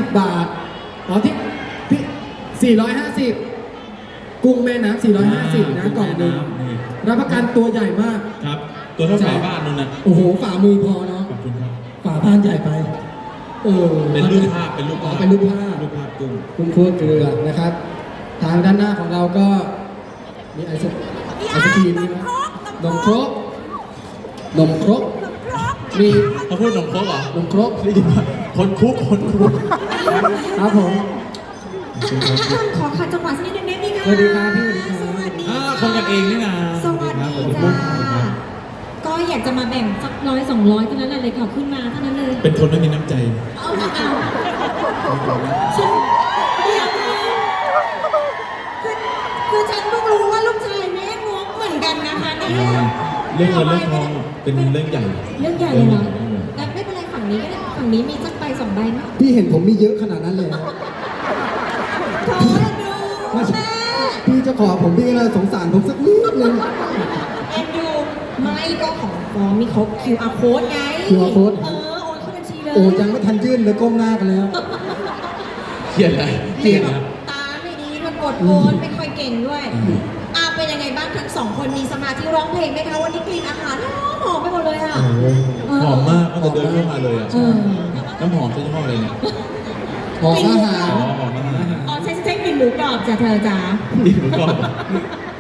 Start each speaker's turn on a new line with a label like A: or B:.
A: 450 บาทอ๋อที่450กุ้งแม่น้ำ450นะกล่องหนึ่งรับประกันตัวใหญ่มาก
B: ครับตัวเท่าฝาบ้านนู่นนะ
A: โอ้โหฝ่ามือพอเนาะ
B: ขอบคุณครับ
A: ฝาบ้านใหญ่ไป
B: เป็นรูปภาพเป็นรูปภาพ
A: กุ้งคั่วเกลือนะครับ ทางด้านหน้าของเราก็มีไอศครีมนี่นะนมครกมี
B: เขาพูดนมครกเหรอน
A: มครก
B: ได้ยินไหมคนคุก
A: ครับผม
C: ขอขัดจังหวะสักนิดนึงได้ไหมคะ
A: สวัสดีครับพี่สวัสดี
B: คนกันเองนี่นะ
C: สวัสดีจ้าก็อยากจะมาแบ่งสัก100-200เท่านั้นเลยค่ะขึ้นมาเท่านั้นเลย
B: เป็นคนไม่มีน้ำใจ
C: ฉันเดี๋ยวคือฉันเพิ่งรู้ว่าลูกชายแม่งกเหมือนกันนะคะเนี่ย
B: เรื่องเงินเรื่องทองเป็นเรื่องใหญ่
C: เลยเหรอแต่ไม่เป็นไรฝั่งนี้ก็ได้ฝั่งนี้มีสักใบ2 ใบไหม
A: พี่เห็นผมมีเยอะขนาดนั้นเลย
C: ขอดูแม่
A: พี่จะขอผมพี่เลยสงสารผมสักนิดนึง
C: เอ็นดูไม่ก็ของมีครบ QR code ไง
A: QR code
C: โอนเข้าบัญชีเลย
A: โอ้ยังไม่ทันยื่นเลยก้มหน้ากันแล้ว
B: เขียนอะไรเขียนนะ
C: ตาไม่ดีมันกดโอนไม่ค่อยเก่งด้วยเป็นยังไงบ้างทั้ง2 คนมีสมาธิร้องเพลงไหมคะวันนี้กลิ่นอาหารหอมไปหมดเลยอ่ะ
B: หอมมากตั้งแต่เดินเข้ามาเลยอ่ะน้ำหอมใช้ยี่ห้ออะไรเนี่ย
A: หอมอาหาร
C: อ๋อใช้กลิ่นหมูกรอบจ้ะเธอจ้า
B: กลิ่นหมูกรอบ